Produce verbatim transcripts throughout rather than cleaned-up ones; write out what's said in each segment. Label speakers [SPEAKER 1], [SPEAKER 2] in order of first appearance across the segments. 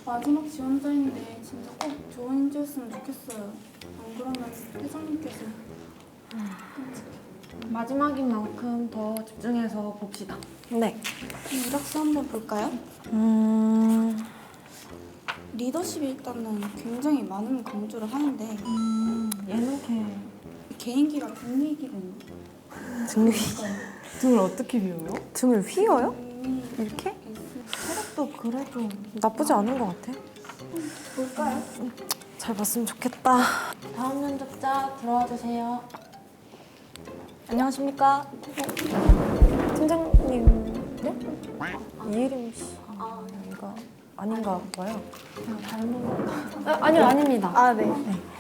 [SPEAKER 1] 마지막 지원자인데 진짜 꼭 좋은 인재였으면 좋겠어요. 안 그러면 회장님께서
[SPEAKER 2] 마지막인 만큼 더 집중해서 봅시다.
[SPEAKER 3] 네.
[SPEAKER 1] 그럼 이력서 한번 볼까요?
[SPEAKER 3] 음...
[SPEAKER 1] 리더십이 일단은 굉장히 많은 강조를 하는데
[SPEAKER 3] 음... 얘는
[SPEAKER 1] 개인기가 등리기는
[SPEAKER 3] 등을
[SPEAKER 2] 등을 어떻게 비워요?
[SPEAKER 3] 등을 휘어요?
[SPEAKER 1] 등이
[SPEAKER 3] 이렇게?
[SPEAKER 2] 체력도 그래도
[SPEAKER 3] 나쁘지 않은 것 같아.
[SPEAKER 1] 볼까요?
[SPEAKER 3] 잘 봤으면 좋겠다.
[SPEAKER 2] 다음 면접자 들어와 주세요.
[SPEAKER 3] 안녕하십니까? 팀장님, 네? 이혜림 씨. 아, 이거 아닌가 봐요.
[SPEAKER 2] 닮은 것 같아요. 아니요, 아닙니다.
[SPEAKER 3] 아, 네.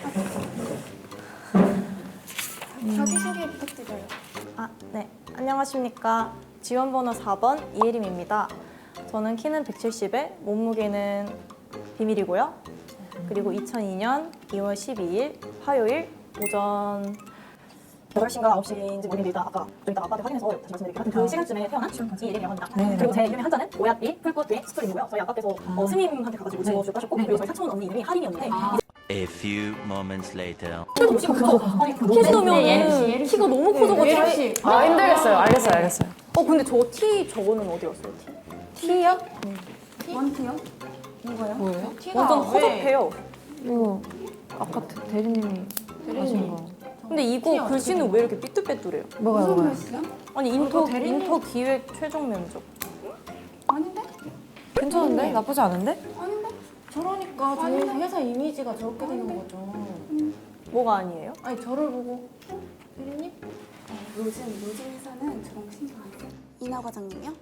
[SPEAKER 1] 자기소개 부탁드려요.
[SPEAKER 3] 아, 네. 안녕하십니까. 지원번호 사 번 이혜림입니다. 저는 키는 백칠십에 몸무게는 비밀이고요. 그리고 이천이 년 이월 십이일 화요일 오전 여덟 시인가 아홉 시인지 모르겠는데 일단 아까 좀 이따 아빠한테 확인해서 다시 말씀드릴게요. 하여튼 그 시간쯤에 태어난 이혜림이라고 합니다.
[SPEAKER 4] 네.
[SPEAKER 3] 그리고 제 이름의 한자는 오얏이, 풀꽃의 스토리고요. 저희 아빠께서 어, 스님한테 가가지고 지어주고 하셨고 그리고 저희 사촌 언니 이름이 하림이었는데
[SPEAKER 5] A few moments later.
[SPEAKER 3] 키도 키가 커서 아니 키 정도면 키가 너무 커져가지고
[SPEAKER 2] 아, 힘들겠어요. 알겠어요, 알겠어요.
[SPEAKER 3] 어 근데 저 티 저거는 어디 갔어요? 티?
[SPEAKER 2] T요?
[SPEAKER 1] 원트요?
[SPEAKER 2] 뭐예요?
[SPEAKER 3] 완전 허접해요.
[SPEAKER 2] 이거 아까 대, 대리님이 하신 거.
[SPEAKER 3] 근데 이거 글씨는 왜 이렇게 삐뚤빼뚤해요?
[SPEAKER 2] 뭐가요,
[SPEAKER 1] 무슨
[SPEAKER 2] 뭐가요?
[SPEAKER 1] 글씨요?
[SPEAKER 3] 아니 인터
[SPEAKER 2] 대리님.
[SPEAKER 3] 인터 기획 최종 면접.
[SPEAKER 1] 아닌데?
[SPEAKER 3] 괜찮은데? 나쁘지 않은데?
[SPEAKER 1] 아닌데?
[SPEAKER 2] 저러니까 저희 회사 이미지가 저렇게 되는 거죠.
[SPEAKER 3] 뭐가 아니에요?
[SPEAKER 2] 아니, 저를 보고 대리님?
[SPEAKER 1] 요즘 요즘 회사는 저런 거 신경 안 써요. 이나 과장님이요?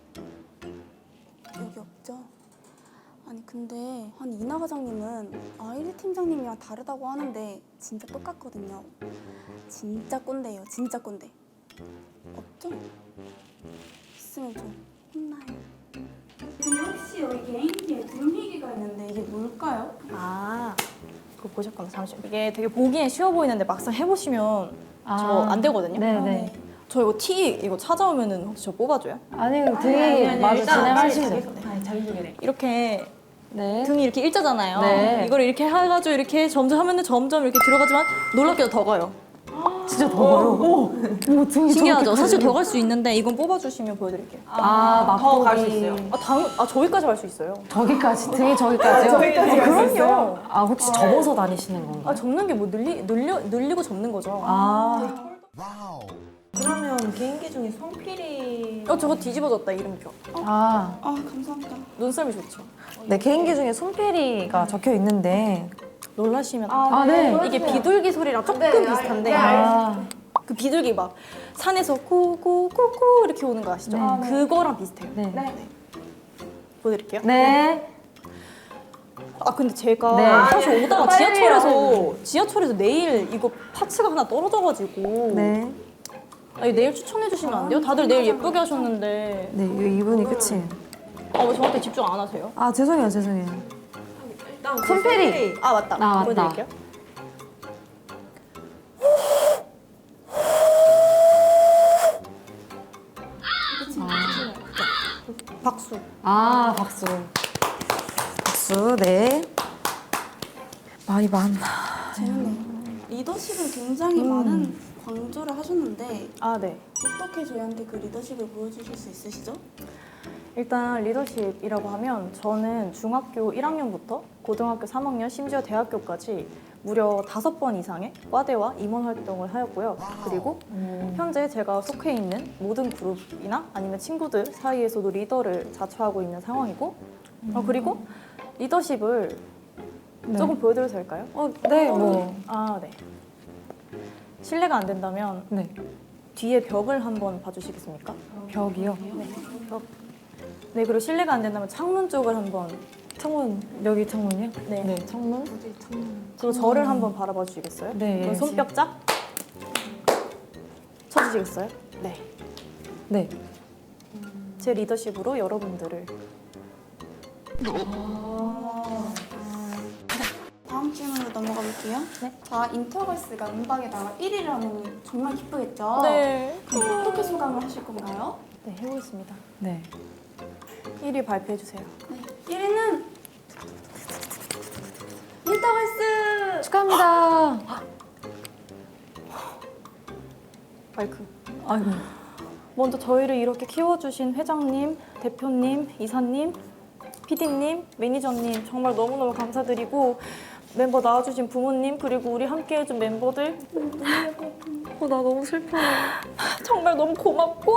[SPEAKER 1] 여기 없죠? 아니 근데 아니 이나 과장님은 아이리 팀장님이랑 다르다고 하는데 진짜 똑같거든요. 진짜 꼰대예요. 진짜 꼰대. 없죠? 있으면 좀 혼나요. 근데 혹시 여기 개인기에 등리기가 있는데 이게 뭘까요?
[SPEAKER 3] 아 그거 보셨구나. 잠시만. 이게 되게 보기엔 쉬워 보이는데 막상 해보시면
[SPEAKER 2] 아.
[SPEAKER 3] 저 안 되거든요.
[SPEAKER 2] 네네.
[SPEAKER 3] 저 이거 티 이거 찾아오면은 혹시 저 뽑아줘요?
[SPEAKER 2] 아니, 등이 마저 진행하시면 돼요.
[SPEAKER 3] 이렇게
[SPEAKER 2] 네.
[SPEAKER 3] 등이 이렇게 일자잖아요.
[SPEAKER 2] 네.
[SPEAKER 3] 이걸 이렇게 해가지고 이렇게 점점 하면은 점점 이렇게 들어가지만 놀랍게도 더 가요.
[SPEAKER 2] 진짜 더 가요. 오, 오, 등이
[SPEAKER 3] 신기하죠? 사실 더 갈 수 있는데 이건 뽑아주시면 보여드릴게요.
[SPEAKER 2] 아, 더 갈 수 있어요.
[SPEAKER 3] 아, 당, 아 저기까지 갈 수 있어요.
[SPEAKER 2] 저기까지, 등이 저기까지요?
[SPEAKER 3] 아, 그럼요.
[SPEAKER 2] 아, 혹시 접어서 다니시는 건가요?
[SPEAKER 3] 아 접는 게 뭐 늘리, 늘려, 늘리고 접는 거죠.
[SPEAKER 2] 아,
[SPEAKER 4] 그러면 개인기 중에 손필이
[SPEAKER 3] 어 저거 뒤집어졌다 이름표.
[SPEAKER 2] 아,
[SPEAKER 1] 아 감사합니다.
[SPEAKER 3] 눈썰미 좋죠.
[SPEAKER 4] 네, 개인기 중에 손필이가 적혀 있는데
[SPEAKER 3] 놀라시면
[SPEAKER 2] 아, 네.
[SPEAKER 3] 이게 비둘기 소리랑 조금 비슷한데
[SPEAKER 2] 아,
[SPEAKER 3] 그 비둘기 막 산에서 코코코코 이렇게 오는 거 아시죠?
[SPEAKER 2] 네.
[SPEAKER 3] 그거랑 비슷해요.
[SPEAKER 2] 네.
[SPEAKER 3] 보여드릴게요.
[SPEAKER 2] 네.
[SPEAKER 3] 아 근데 제가
[SPEAKER 2] 네.
[SPEAKER 3] 사실 오다가
[SPEAKER 2] 빨리
[SPEAKER 3] 지하철에서 지하철에서 내일 이거 파츠가 하나 떨어져가지고
[SPEAKER 4] 네,
[SPEAKER 3] 아니, 내일 추천해 주시면 안 돼요? 다들 내일 예쁘게 하셨는데
[SPEAKER 4] 네, 이 이분이 끝이에요.
[SPEAKER 3] 아 왜 저한테 집중 안 하세요?
[SPEAKER 4] 아, 죄송해요, 죄송해요.
[SPEAKER 2] 손필이.
[SPEAKER 3] 아 맞다.
[SPEAKER 2] 나 왔다.
[SPEAKER 3] 보여드릴게요. 박수.
[SPEAKER 2] 아, 박수.
[SPEAKER 4] 박수, 네. 말이 많나.
[SPEAKER 1] 재밌네요. 리더십을 굉장히 많은 강조를 하셨는데
[SPEAKER 3] 아 네.
[SPEAKER 1] 어떻게 저희한테 그 리더십을 보여주실 수 있으시죠?
[SPEAKER 3] 일단 리더십이라고 하면 저는 중학교 일 학년부터 고등학교 삼 학년 심지어 대학교까지 무려 다섯 번 이상의 과대와 임원 활동을 하였고요. 그리고 현재 제가 속해 있는 모든 그룹이나 아니면 친구들 사이에서도 리더를 자처하고 있는 상황이고 어, 그리고 리더십을 조금 보여드려도 될까요?
[SPEAKER 4] 어, 네, 뭐.
[SPEAKER 3] 아 네. 실례가 안 된다면
[SPEAKER 4] 네.
[SPEAKER 3] 뒤에 벽을 한번 봐주시겠습니까?
[SPEAKER 4] 벽이요.
[SPEAKER 3] 벽. 네, 그리고 실례가 안 된다면 창문 쪽을 한번.
[SPEAKER 4] 창문, 여기 창문이요?
[SPEAKER 3] 네.
[SPEAKER 4] 네, 창문.
[SPEAKER 3] 그리고 저를 한번 바라봐 주시겠어요?
[SPEAKER 4] 네,
[SPEAKER 3] 그럼 손뼉 짝 쳐주시겠어요? 네.
[SPEAKER 4] 네.
[SPEAKER 3] 제 리더십으로 여러분들을.
[SPEAKER 1] 다음 질문으로 넘어가 볼게요.
[SPEAKER 3] 네.
[SPEAKER 1] 자, 인터걸스가 음방에 나와 일 위를 하면 정말 기쁘겠죠?
[SPEAKER 3] 네.
[SPEAKER 1] 그럼 어떻게 소감을 하실 건가요?
[SPEAKER 3] 네, 해보겠습니다.
[SPEAKER 4] 네.
[SPEAKER 3] 일 위 발표해 주세요.
[SPEAKER 1] 네. 일 위는
[SPEAKER 2] 메타버스!
[SPEAKER 4] 축하합니다.
[SPEAKER 3] 마이크.
[SPEAKER 4] 아이고.
[SPEAKER 3] 먼저 저희를 이렇게 키워주신 회장님, 대표님, 이사님, 피디님, 매니저님 정말 너무너무 감사드리고 멤버 나와주신 부모님 그리고 우리 함께해준 멤버들
[SPEAKER 2] 어, 나 너무 슬퍼요.
[SPEAKER 3] 정말 너무 고맙고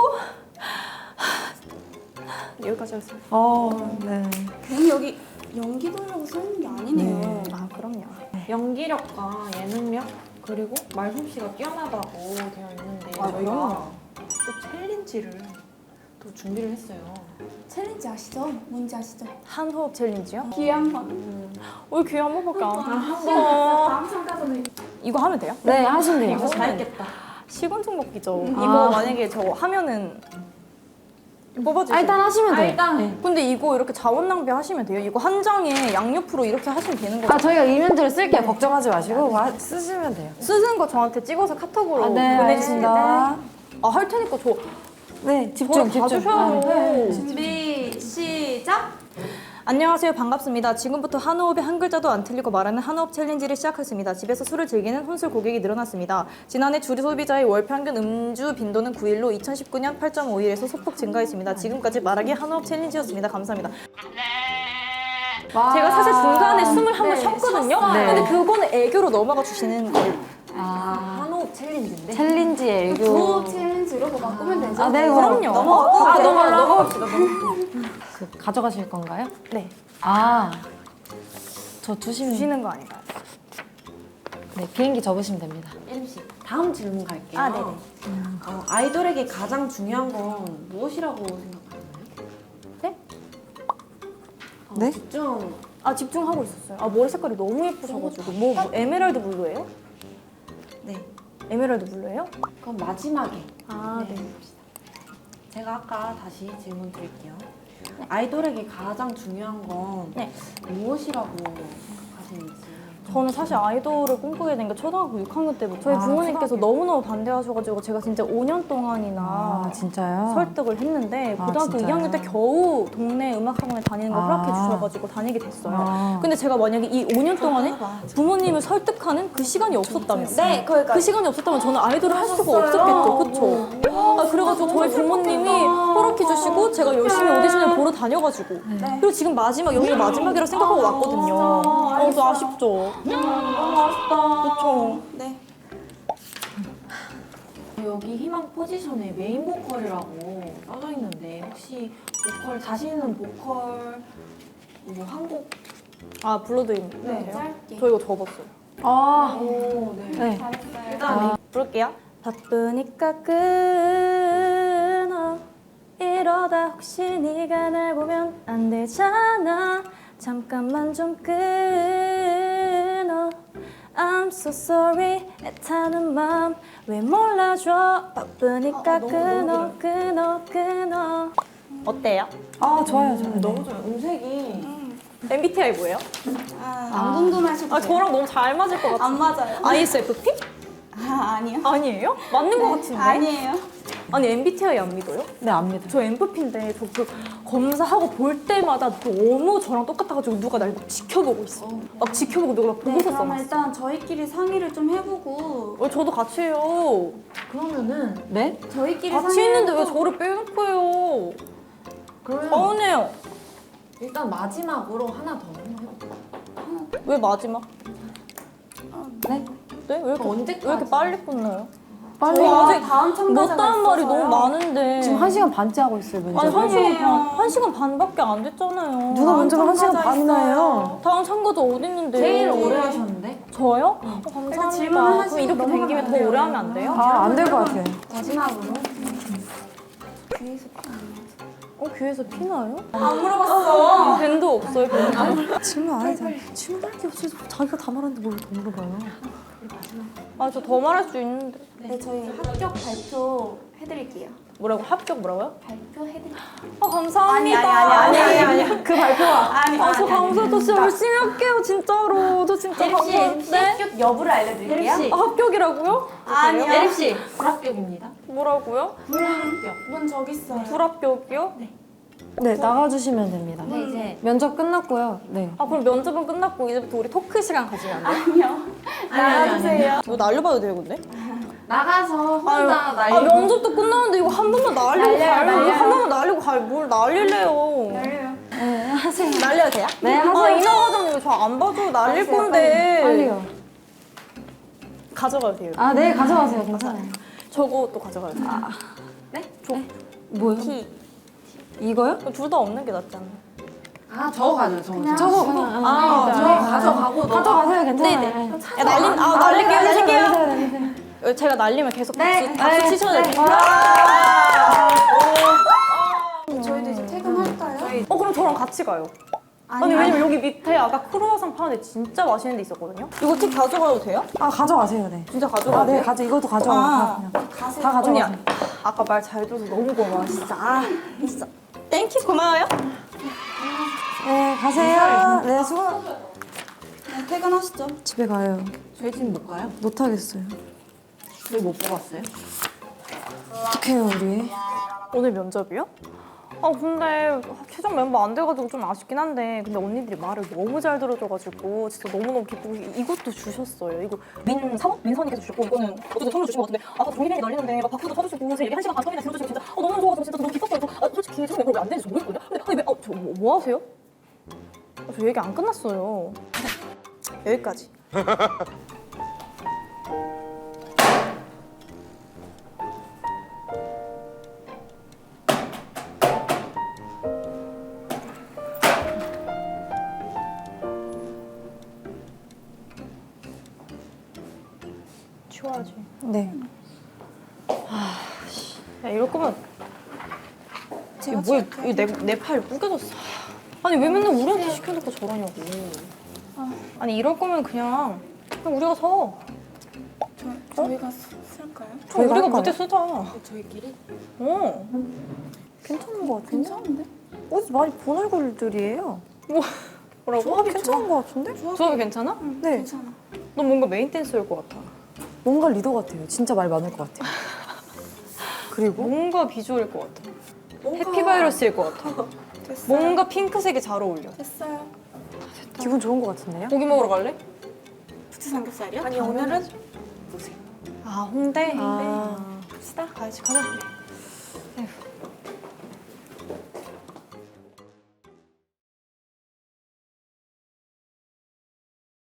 [SPEAKER 3] 여기까지 하겠습니다.
[SPEAKER 4] 어, 네.
[SPEAKER 1] 괜히 여기 연기도라고 써있는 게 아니네요.
[SPEAKER 3] 아 그럼요.
[SPEAKER 2] 연기력과 예능력 그리고 말솜씨가 뛰어나다고 되어 있는데
[SPEAKER 3] 아,
[SPEAKER 2] 저희가 또 챌린지를 또 준비를 했어요.
[SPEAKER 1] 챌린지 아시죠? 뭔지 아시죠?
[SPEAKER 3] 한 호흡 챌린지요?
[SPEAKER 1] 기회 한 번.
[SPEAKER 3] 우리 귀에 한 번밖에 안
[SPEAKER 1] 아, 다음 참가자는
[SPEAKER 3] 이거 하면 돼요?
[SPEAKER 4] 네, 하시면 돼요.
[SPEAKER 2] 이거 잘했겠다.
[SPEAKER 3] 시곤증 먹기죠.
[SPEAKER 4] 아.
[SPEAKER 3] 이거 만약에 저거 하면은 뽑아주세요.
[SPEAKER 4] 아, 일단 하시면 돼요.
[SPEAKER 2] 일단
[SPEAKER 4] 네.
[SPEAKER 3] 근데 이거 이렇게 자원 낭비하시면 돼요. 이거 한 장에 양옆으로 이렇게 하시면 되는 거예요.
[SPEAKER 4] 아, 저희가 이면들을 쓸게요. 걱정하지 마시고 와- 쓰시면 돼요.
[SPEAKER 3] 쓰는 거 저한테 찍어서 카톡으로
[SPEAKER 4] 아, 네,
[SPEAKER 3] 보내주시면
[SPEAKER 4] 알겠습니다.
[SPEAKER 3] 아, 할 테니까 저
[SPEAKER 4] 네, 집중,
[SPEAKER 3] 저를
[SPEAKER 4] 집중.
[SPEAKER 3] 봐주셔요.
[SPEAKER 4] 아,
[SPEAKER 1] 준비 시작.
[SPEAKER 3] 안녕하세요. 반갑습니다. 지금부터 한 호흡에 한 글자도 안 틀리고 말하는 한 호흡 챌린지를 시작하겠습니다. 집에서 술을 즐기는 혼술 고객이 늘어났습니다. 지난해 주류 소비자의 월 평균 음주 빈도는 구 일로 이천십구 년 팔 점 오 일에서 소폭 증가했습니다. 지금까지 말하기 한 호흡 챌린지였습니다. 감사합니다. 제가 사실 중간에 숨을 한 번 쉬었거든요.
[SPEAKER 4] 네.
[SPEAKER 3] 근데 그거는 애교로 넘어가 주시는 거예요.
[SPEAKER 4] 아,
[SPEAKER 2] 한호흡 챌린지인데
[SPEAKER 4] 챌린지 애교.
[SPEAKER 1] 구호 챌린지로 뭐 바꾸면 되죠?
[SPEAKER 4] 아, 네,
[SPEAKER 3] 그럼요.
[SPEAKER 1] 넘어가.
[SPEAKER 3] 아, 넘어가,
[SPEAKER 2] 넘어갑시다.
[SPEAKER 4] 그, 가져가실 건가요?
[SPEAKER 3] 네.
[SPEAKER 4] 아, 저 두시면.
[SPEAKER 3] 주시는 거 아닌가요?
[SPEAKER 4] 네, 비행기 접으시면 됩니다.
[SPEAKER 2] 예림 씨 다음 질문 갈게요.
[SPEAKER 3] 아, 네네.
[SPEAKER 2] 어, 아이돌에게 가장 중요한 건 무엇이라고 생각하나요?
[SPEAKER 3] 네?
[SPEAKER 2] 어,
[SPEAKER 4] 네?
[SPEAKER 2] 집중.
[SPEAKER 3] 아, 집중하고 있었어요. 아, 머리 색깔이 너무 예쁘셔가지고. 뭐, 뭐 에메랄드 블루예요?
[SPEAKER 2] 네.
[SPEAKER 3] 에메랄드 블루예요?
[SPEAKER 2] 그럼 마지막에
[SPEAKER 3] 아, 네.
[SPEAKER 2] 제가 아까 다시 질문 드릴게요. 아이돌에게 가장 중요한 건
[SPEAKER 3] 네.
[SPEAKER 2] 무엇이라고 생각하시는지.
[SPEAKER 3] 저는 사실 아이돌을 꿈꾸게 된 게 초등학교 육 학년 때부터 저희
[SPEAKER 4] 아,
[SPEAKER 3] 부모님께서
[SPEAKER 4] 초등학교.
[SPEAKER 3] 너무너무 반대하셔가지고 제가 진짜 오 년 동안이나
[SPEAKER 4] 아, 진짜요?
[SPEAKER 3] 설득을 했는데
[SPEAKER 4] 아,
[SPEAKER 3] 고등학교
[SPEAKER 4] 진짜요?
[SPEAKER 3] 이 학년 때 겨우 동네 음악학원에 다니는 걸
[SPEAKER 4] 아.
[SPEAKER 3] 허락해 주셔가지고 다니게 됐어요.
[SPEAKER 4] 아.
[SPEAKER 3] 근데 제가 만약에 이 오 년 동안에 부모님을 설득하는 그 시간이 없었다면
[SPEAKER 1] 네, 거기까지.
[SPEAKER 3] 그 시간이 없었다면 저는 아이돌을 할 수가 없었겠죠. 그쵸? 아, 그래가지고 저희 부모님이 허락해 주시고 제가 열심히 오디션을 보러 다녀가지고 그리고 지금 마지막 여기가 마지막이라고 생각하고 왔거든요. 어, 좀 아쉽죠? 너무 아쉽다. 그쵸?
[SPEAKER 1] 네.
[SPEAKER 2] 여기 희망 포지션에 메인 보컬이라고 써져 있는데 혹시 보컬 자신 있는 보컬 뭐 한곡
[SPEAKER 3] 아, 불러드리면
[SPEAKER 1] 네,
[SPEAKER 3] 돼요?
[SPEAKER 1] 짧게.
[SPEAKER 3] 저 이거 접었어요.
[SPEAKER 4] 아,
[SPEAKER 2] 오, 네.
[SPEAKER 4] 네.
[SPEAKER 1] 잘했어요.
[SPEAKER 2] 일단
[SPEAKER 3] 부를게요. 바쁘니까 끊어 이러다 혹시 네가 날 보면 안 되잖아 잠깐만 좀 끊어 I'm so sorry 애타는 맘 왜 몰라줘 바쁘니까
[SPEAKER 1] 아, 너무,
[SPEAKER 3] 끊어
[SPEAKER 1] 너무
[SPEAKER 3] 끊어 끊어 어때요?
[SPEAKER 4] 아, 좋아요, 좋아요.
[SPEAKER 2] 너무 좋아요. 음색이
[SPEAKER 3] 엠비티아이 뭐예요?
[SPEAKER 1] 아, 안 궁금하셔도
[SPEAKER 3] 아
[SPEAKER 1] 돼요.
[SPEAKER 3] 저랑 너무 잘 맞을 것 같아요.
[SPEAKER 1] 안 맞아요.
[SPEAKER 3] 아이에스에프피?
[SPEAKER 1] 아, 아니요.
[SPEAKER 3] 아니에요? 맞는 것 같은데?
[SPEAKER 1] 아니에요.
[SPEAKER 3] 아니 엠비티아이 안 믿어요?
[SPEAKER 4] 네, 압니다.
[SPEAKER 3] 저 엠프피인데 저 그 검사하고 볼 때마다 너무 저랑 똑같아가지고 누가 날 막 지켜보고 있어. 막 지켜보고 누가 막
[SPEAKER 1] 네,
[SPEAKER 3] 보고서
[SPEAKER 1] 그러면
[SPEAKER 3] 써놨어.
[SPEAKER 1] 일단 저희끼리 상의를 좀 해보고
[SPEAKER 3] 어, 저도 같이 해요.
[SPEAKER 2] 그러면은
[SPEAKER 4] 네?
[SPEAKER 1] 저희끼리
[SPEAKER 3] 같이
[SPEAKER 1] 상의를
[SPEAKER 3] 있는데 왜
[SPEAKER 1] 해보고
[SPEAKER 3] 저를 빼놓고 해요?
[SPEAKER 2] 그러면
[SPEAKER 3] 서운해요.
[SPEAKER 2] 일단 마지막으로 하나 더 한번 해볼까요?
[SPEAKER 3] 왜 마지막?
[SPEAKER 4] 네?
[SPEAKER 3] 네? 왜 이렇게,
[SPEAKER 2] 언제까지?
[SPEAKER 3] 왜 이렇게 빨리 끝나요?
[SPEAKER 4] 빨리.
[SPEAKER 3] 저희 아직
[SPEAKER 1] 다음 참가자가
[SPEAKER 3] 못다한 말이
[SPEAKER 1] 있어서요.
[SPEAKER 3] 너무 많은데.
[SPEAKER 4] 지금 한 시간 반째 하고 있어요,
[SPEAKER 3] 아니
[SPEAKER 4] 면접.
[SPEAKER 3] 한 시간
[SPEAKER 1] 아니에요.
[SPEAKER 3] 반, 한 시간 반밖에 안 됐잖아요.
[SPEAKER 4] 누가 면접을 한 시간
[SPEAKER 1] 참가자
[SPEAKER 4] 반이나 해요?
[SPEAKER 1] 있어요.
[SPEAKER 3] 다음 참가자 어디 있는데?
[SPEAKER 2] 제일 오래 하셨는데?
[SPEAKER 3] 저요? 어, 감사합니다.
[SPEAKER 1] 질문을
[SPEAKER 3] 그럼
[SPEAKER 1] 하시고
[SPEAKER 3] 이렇게 된 김에 더
[SPEAKER 1] 넘어가면
[SPEAKER 3] 오래 하면 안 돼요?
[SPEAKER 4] 아, 안 될 것 같아요.
[SPEAKER 1] 마지막으로 귀에서 피안
[SPEAKER 3] 어, 귀에서 피 나요?
[SPEAKER 1] 안 물어봤어.
[SPEAKER 3] 밴도 없어요, 밴도?
[SPEAKER 4] 질문 안 해도 질문할 게 없어서 자기가 다 말하는데 뭘 더 물어봐요.
[SPEAKER 3] 아, 저 더 말할 수 있는데.
[SPEAKER 1] 네, 저희 합격 발표 해드릴게요.
[SPEAKER 3] 뭐라고? 합격 뭐라고요?
[SPEAKER 1] 발표 해드릴게요.
[SPEAKER 3] 아, 감사합니다.
[SPEAKER 1] 아니, 아니, 아니, 아니,
[SPEAKER 3] 그 발표가.
[SPEAKER 1] 아니,
[SPEAKER 3] 아, 저 감사, 저 진짜 열심히 할게요, 진짜로. 저 진짜
[SPEAKER 1] 예림 씨,
[SPEAKER 3] 감사한데.
[SPEAKER 1] 합격 여부를 알려드릴게요.
[SPEAKER 2] 예림 씨.
[SPEAKER 3] 아, 합격이라고요?
[SPEAKER 1] 아니요.
[SPEAKER 2] 예림 씨 불합격입니다.
[SPEAKER 3] 뭐라고요?
[SPEAKER 2] 불합격.
[SPEAKER 1] 문 저기 있어요.
[SPEAKER 3] 불합격이요?
[SPEAKER 2] 네.
[SPEAKER 4] 네, 나가주시면 됩니다.
[SPEAKER 2] 네, 이제
[SPEAKER 4] 면접 끝났고요. 네.
[SPEAKER 3] 아 그럼 면접은 끝났고 이제부터 우리 토크 시간 가지면 안 돼요?
[SPEAKER 1] 아니요.
[SPEAKER 2] 나가주세요.
[SPEAKER 3] 이거 날려봐도 돼요 근데?
[SPEAKER 2] 나가서 혼자
[SPEAKER 3] 아
[SPEAKER 2] 날리고.
[SPEAKER 3] 면접도 끝났는데 이거 한 번만 날리고
[SPEAKER 2] 날려요,
[SPEAKER 3] 가요.
[SPEAKER 2] 날려요.
[SPEAKER 3] 한 번만 날리고 가요. 뭘 날릴래요?
[SPEAKER 4] 네, 하세요.
[SPEAKER 3] 날려도 돼요?
[SPEAKER 4] 네,
[SPEAKER 3] 아
[SPEAKER 4] 하세요.
[SPEAKER 3] 이나 과장님 저 안 봐줘요. 날릴
[SPEAKER 2] 하세요,
[SPEAKER 3] 건데.
[SPEAKER 4] 빨리요.
[SPEAKER 3] 가져가도 돼요.
[SPEAKER 4] 아, 네, 가져가세요. 괜찮아요.
[SPEAKER 3] 저거 또 가져가요. 아,
[SPEAKER 4] 뭐요?
[SPEAKER 3] 티.
[SPEAKER 4] 이거요?
[SPEAKER 3] 둘 다 없는 게 낫지 않나?
[SPEAKER 2] 아 저거 가져요. 저거.
[SPEAKER 4] 저거 그냥.
[SPEAKER 3] 아,
[SPEAKER 2] 저
[SPEAKER 3] 네.
[SPEAKER 2] 가져가고 너.
[SPEAKER 4] 가져가세요. 괜찮아요.
[SPEAKER 3] 네네.
[SPEAKER 4] 네.
[SPEAKER 3] 야, 날린, 아, 날릴게요,
[SPEAKER 4] 날리세요,
[SPEAKER 3] 날릴게요.
[SPEAKER 4] 날리세요, 날리세요.
[SPEAKER 3] 제가 날리면 계속
[SPEAKER 2] 네.
[SPEAKER 3] 박수, 박수
[SPEAKER 4] 네.
[SPEAKER 3] 치셔야
[SPEAKER 4] 네.
[SPEAKER 3] 돼요.
[SPEAKER 1] 저희도 이제 퇴근할까요?
[SPEAKER 3] 어, 그럼 저랑 같이 가요. 아니,
[SPEAKER 1] 아니,
[SPEAKER 3] 왜냐면 여기 밑에 아까 크루아상 파는데 진짜 맛있는 데 있었거든요? 이거 팁 가져가도 돼요?
[SPEAKER 4] 아, 가져가세요. 네.
[SPEAKER 3] 진짜 가져가도
[SPEAKER 4] 아, 네,
[SPEAKER 3] 돼요?
[SPEAKER 4] 가져. 이것도 가져가요.
[SPEAKER 3] 아.
[SPEAKER 4] 다 그냥.
[SPEAKER 1] 가세요.
[SPEAKER 4] 다
[SPEAKER 3] 언니,
[SPEAKER 4] 가져가세요.
[SPEAKER 3] 아까 말 잘 들어서 너무 고마워, 진짜. 아, 진짜. 땡큐, 고마워요.
[SPEAKER 4] 네, 가세요. 네, 수고.
[SPEAKER 1] 네, 퇴근하시죠.
[SPEAKER 4] 집에 가요.
[SPEAKER 2] 저희 집 못 가요?
[SPEAKER 4] 못 하겠어요.
[SPEAKER 2] 저희 못 뽑았어요?
[SPEAKER 4] 어떡해요, 우리.
[SPEAKER 3] 오늘 면접이요? 아 근데 최종 멤버 안 돼가지고 좀 아쉽긴 한데 근데 언니들이 말을 너무 잘 들어줘가지고 진짜 너무너무 기쁘고 이- 이것도 주셨어요. 이거 민사원? 민선이께서 주셨고 이거는 어쨌든 선물 주신 것 같은데 아까 종이뱅이 날리는데 막 박수도 쳐주시고 제 얘기 한 시간 반 동안이나 들어주시고 진짜 어, 너무 좋아서 진짜 너무 기뻤어요. 저, 아, 솔직히 최종 멤버 왜 안 되는지 모르겠거든요. 근데 아니 왜, 어, 저 뭐, 뭐 하세요? 아, 저 얘기 안 끝났어요. 여기까지. 치워야지.
[SPEAKER 4] 네.
[SPEAKER 3] 야 이럴 거면
[SPEAKER 1] 제가
[SPEAKER 3] 이거 뭐야?
[SPEAKER 1] 치울게요.
[SPEAKER 3] 이거 내 내 파일 구겨졌어. 아니 왜 맨날 우리한테 시켜놓고 저러냐고. 아니 이럴 거면 그냥 그냥 우리가 서.
[SPEAKER 1] 저, 저희가 쓰- 쓸까요?
[SPEAKER 4] 저희가
[SPEAKER 3] 우리가
[SPEAKER 4] 할까요?
[SPEAKER 3] 무대 쓰자.
[SPEAKER 1] 저희끼리?
[SPEAKER 3] 어.
[SPEAKER 4] 괜찮은 것 같은데?
[SPEAKER 1] 괜찮은데?
[SPEAKER 4] 어디서 많이 본 얼굴들이에요.
[SPEAKER 3] 뭐라고?
[SPEAKER 4] 조합이 괜찮은 것 같은데?
[SPEAKER 3] 조합이 괜찮아?
[SPEAKER 4] 네.
[SPEAKER 1] 괜찮아.
[SPEAKER 3] 너 뭔가 메인 댄서일 것 같아.
[SPEAKER 4] 뭔가 리더 같아요. 진짜 말 많을 것 같아요. 그리고
[SPEAKER 3] 뭔가 비주얼일 것 같아.
[SPEAKER 1] 뭔가-
[SPEAKER 3] 해피바이러스일 것 같아.
[SPEAKER 1] 됐어요.
[SPEAKER 3] 뭔가 핑크색이 잘 어울려.
[SPEAKER 1] 됐어요.
[SPEAKER 4] 기분 좋은 것 같은데요?
[SPEAKER 3] 고기 먹으러 갈래?
[SPEAKER 1] 부채 삼겹살이요?
[SPEAKER 3] 아니 오늘은 아 홍대.
[SPEAKER 4] 아.
[SPEAKER 3] 갑시다. 가야지 가자.